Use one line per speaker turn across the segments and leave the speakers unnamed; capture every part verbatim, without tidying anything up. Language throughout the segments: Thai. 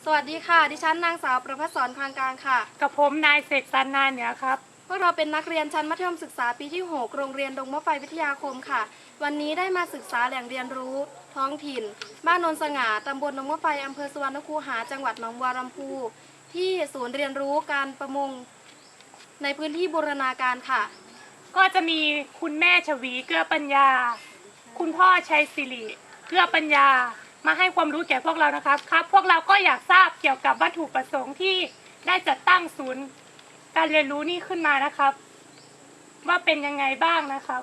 วัสดีค่ะดิฉันนางสาวประภัสสรคลังกลางค่ะ
กับผมนายเสกสรรนาเหนือครับ
พวกเราเป็นนักเรียนชั้นมัธยมศึกษาปีที่หกโรงเรียนดงมะไฟวิทยาคมค่ะวันนี้ได้มาศึกษาแหล่งเรียนรู้ท้องถิ่นบ้านโนนสง่าตำบลดงมะไฟอำเภอสุวรรณคูหาจังหวัดหนองบัวลำพูที่ศูนย์เรียนรู้การประมงในพื้นที่บูรณาการค่ะ
ก็จะมีคุณแม่ชวีเกื้อปัญญาคุณพ่อชัยศิริเกื้อปัญญามาให้ความรู้แก่พวกเรานะครับครับพวกเราก็อยากทราบเกี่ยวกับวัตถุประสงค์ที่ได้จัดตั้งศูนย์การเรียนรู้นี้ขึ้นมานะครับว่าเป็นยังไงบ้างนะครับ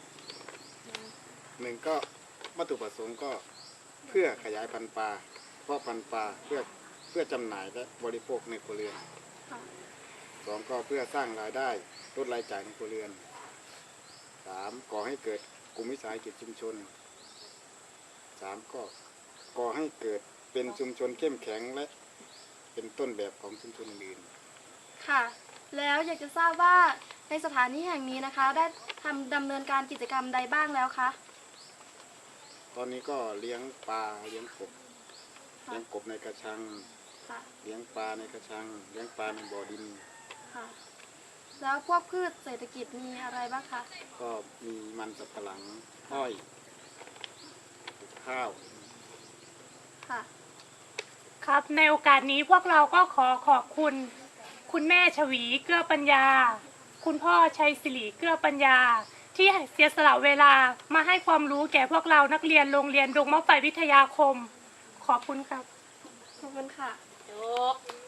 หนึ่งก็วัตถุประสงค์ก็เพื่อขยายพันธุ์ปลาเพาะพันธุ์ปลาเพื่อเพื่อจำหน่ายและบริโภคในครัวเรือนสองก็เพื่อสร้างรายได้ลดรายจ่ายในครัวเรือนสามก่อให้เกิดกลุ่มวิสาหกิจชุมชนสามก็ก่อให้เกิดเป็นชุมชนเข้มแข็งและเป็นต้นแบบของชุมชนอื่น
ค่ะแล้วอยากจะทราบว่าในสถานที่แห่งนี้นะคะได้ทำดำเนินการกิจกรรมใดบ้างแล้วคะ
ตอนนี้ก็เลี้ยงปลาเลี้ยงกบเลี้ยงกบในกระชังเลี้ยงปลาในกระชังเลี้ยงปลาในบ่อดิน
ค่ะแล้วพวกพืชเศรษฐกิจมีอะไรบ้างคะ
ก็มีมันสับปะหลังอ้อยข้าว
ค่ะ
ครับในโอกาสนี้พวกเราก็ขอขอบคุณคุณแม่ชวีเกื้อปัญญาคุณพ่อชัยศิริเกื้อปัญญาที่เสียสละเวลามาให้ความรู้แก่พวกเรานักเรียนโรงเรียนดงมะไฟวิทยาคมขอบคุณครับ
ขอบคุณค่ะ
จบ